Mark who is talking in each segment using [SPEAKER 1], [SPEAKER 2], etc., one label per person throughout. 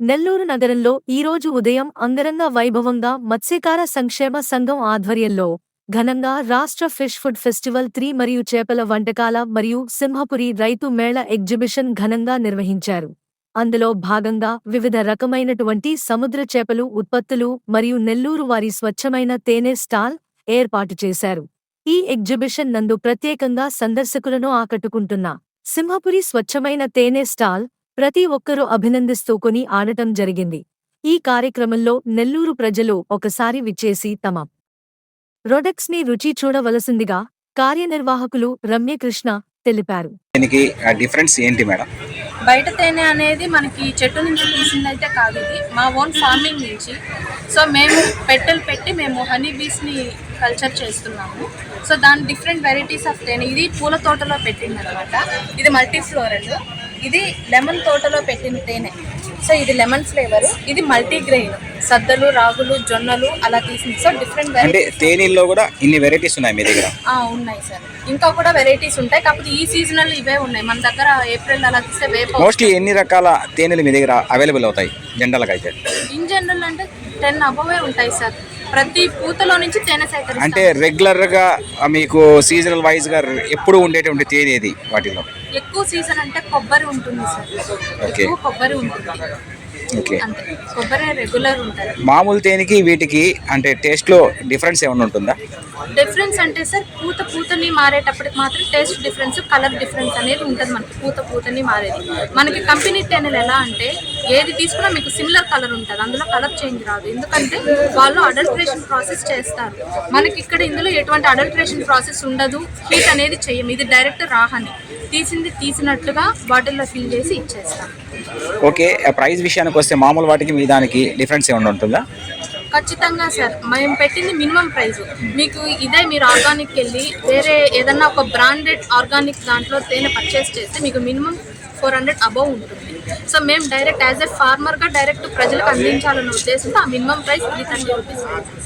[SPEAKER 1] నెల్లూరు నగరంలో ఈరోజు ఉదయం అంగరంగ వైభవంగా మత్స్యకార సంక్షేమ సంఘం ఆధ్వర్యంలో ఘనంగా రాష్ట్ర ఫిష్ ఫుడ్ ఫెస్టివల్ 3 మరియు చేపల వంటకాల మరియు సింహపురి రైతు మేళ ఎగ్జిబిషన్ ఘనంగా నిర్వహించారు. అందులో భాగంగా వివిధ రకమైనటువంటి సముద్ర చేపలు ఉత్పత్తులు మరియు నెల్లూరు వారి స్వచ్ఛమైన తేనె స్టాల్ ఏర్పాటు చేశారు. ఈ ఎగ్జిబిషన్ నందు ప్రత్యేకంగా సందర్శకులను ఆకట్టుకుంటున్న సింహపురి స్వచ్ఛమైన తేనె స్టాల్ ప్రతి ఒక్కరూ అభినందిస్తూ కొని ఆడటం జరిగింది. ఈ కార్యక్రమంలో నెల్లూరు ప్రజలు ఒకసారి విచ్చేసి తమ ప్రొడక్ట్స్ ని రుచి చూడవలసిందిగా కార్యనిర్వాహకులు రమ్యకృష్ణ తెలిపారు.
[SPEAKER 2] దీనికి డిఫరెన్స్ ఏంటి మేడం?
[SPEAKER 3] బయట తేనె అనేది మనకి చెట్టు నుంచి తీసిందైతే కాదు, ఇది మా ఓన్ ఫార్మింగ్ నుంచి. సో మేము పెట్టెలు పెట్టి మేము హనీ బీస్ని కల్చర్ చేస్తున్నాము. సో దాని డిఫరెంట్ వెరైటీస్ ఆఫ్ తేనె, ఇది పూల తోటలో పెట్టింది అనమాట. ఇది మల్టీ ఫ్లోరల్, ఇది లెమన్ తోటలో పెట్టిన తేనె. సో ఇది లెమన్ ఫ్లేవర్, ఇది మల్టీగ్రెయిన్, సద్దలు, రాగులు, జొన్నలు అలా తీసింది. So different varieties.
[SPEAKER 2] తేనెల్లో కూడా ఇన్ని వెరైటీస్ ఉన్నాయి మీ దగ్గర?
[SPEAKER 3] ఉన్నాయి సార్, ఇంకా కూడా వెరైటీస్ ఉంటాయి. కాకపోతే ఈ సీజనల్ ఇవే ఉన్నాయి మన దగ్గర. ఏప్రిల్ అలా తీస్తే వేప.
[SPEAKER 2] మోస్ట్లీ ఎన్ని రకాల తేనెలు మీ దగ్గర అవైలబుల్ అవుతాయి జనరల్గా అయితే?
[SPEAKER 3] ఇన్ జనరల్ అంటే 10 అబోవే ఉంటాయి సార్. ప్రతి పూతలో నుంచి తేనె సేకరిస్తాం.
[SPEAKER 2] అంటే రెగ్యులర్ గా మీకు సీజనల్ వైజ్ గా ఎప్పుడు ఉండేటువంటి తేనె ఏది వాటిలో?
[SPEAKER 3] ఎక్కువ సీజన్ అంటే కొబ్బరి ఉంటుంది సార్. ఎక్కువ కొబ్బరి ఉంటుంది. అంతే, కొబ్బరి రెగ్యులర్ ఉంటుంది.
[SPEAKER 2] మామూలు తేనెకి వీటికి అంటే టేస్ట్ లో డిఫరెన్స్ ఏమైనా ఉంటుందా?
[SPEAKER 3] డిఫరెన్స్ అంటే సార్, పూతని మారేటప్పటికి మాత్రం టేస్ట్ డిఫరెన్స్, కలర్ డిఫరెన్స్ అనేది ఉంటుంది మనకి. పూతని మారేది మనకి కంపెనీ తేనెలు ఎలా అంటే ఏది తీసుకున్నా మీకు సిమిలర్ కలర్ ఉంటుంది, అందులో కలర్ చేంజ్ రాదు. ఎందుకంటే వాళ్ళు అడల్ట్రేషన్ ప్రాసెస్ చేస్తారు. మనకి ఇక్కడ ఇందులో ఎటువంటి అడల్ట్రేషన్ ప్రాసెస్ ఉండదు, హీట్ అనేది చెయ్యం. ఇది డైరెక్ట్ రాహని తీసినట్లుగా బాటిల్లో ఫిల్ చేసి ఇచ్చేస్తాం.
[SPEAKER 2] ఓకే, ప్రైస్ విషయానికి వస్తే మామూలు వాటికి మీ దానికి డిఫరెన్స్ ఏమైనా ఉంటుందా?
[SPEAKER 3] ఖచ్చితంగా సార్, మేము పెట్టింది మినిమం ప్రైస్. మీకు ఇదే మీరు ఆర్గానిక్ వెళ్ళి వేరే ఏదన్నా ఒక బ్రాండెడ్ ఆర్గానిక్ దాంట్లో తేనె పర్చేస్ చేస్తే మీకు మినిమం 400 అబౌవ్ ఉంటుంది. సో మేము డైరెక్ట్ యాజ్ ఎ ఫార్మర్గా డైరెక్ట్ ప్రజలకు అందించాలన్న ఉద్దేశంతో ఆ మినిమం ప్రైస్ 330 రూపీస్.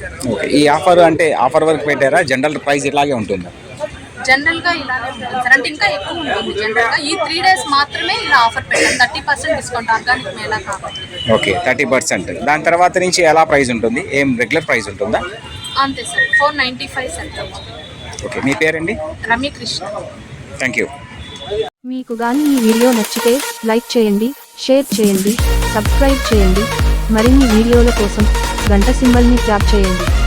[SPEAKER 2] ఈ ఆఫర్ అంటే ఆఫర్ వరకు పెట్టారా? జనరల్ ప్రైస్ ఇలాగే ఉంటుందా?
[SPEAKER 3] జనరల్గా ఇలానే ఉంటుంది సార్, అంటే ఇంకా ఎక్కువ ఉంటుంది. జనరల్గా ఈ 3 days మాత్రమే ఇలా ఆఫర్ పెట్టాం. 30% డిస్కౌంట్ ఆర్గానిక్ మేళా కాబట్టి.
[SPEAKER 2] ఓకే, 30%. దాని తర్వాత నుంచి ఎలా ప్రైస్ ఉంటుంది? ఏం రెగ్యులర్ ప్రైస్ ఉంటుందా?
[SPEAKER 3] అంతే సార్, 495 సార్.
[SPEAKER 2] ఓకే, మీ పేరండి?
[SPEAKER 3] రమ్యకృష్ణ.
[SPEAKER 2] Thank you.
[SPEAKER 1] మీకు గాని ఈ వీడియో నచ్చితే లైక్ చేయండి, షేర్ చేయండి, సబ్స్క్రైబ్ చేయండి. మరిన్ని వీడియోల కోసం గంట సింబల్ని ట్యాప్ చేయండి.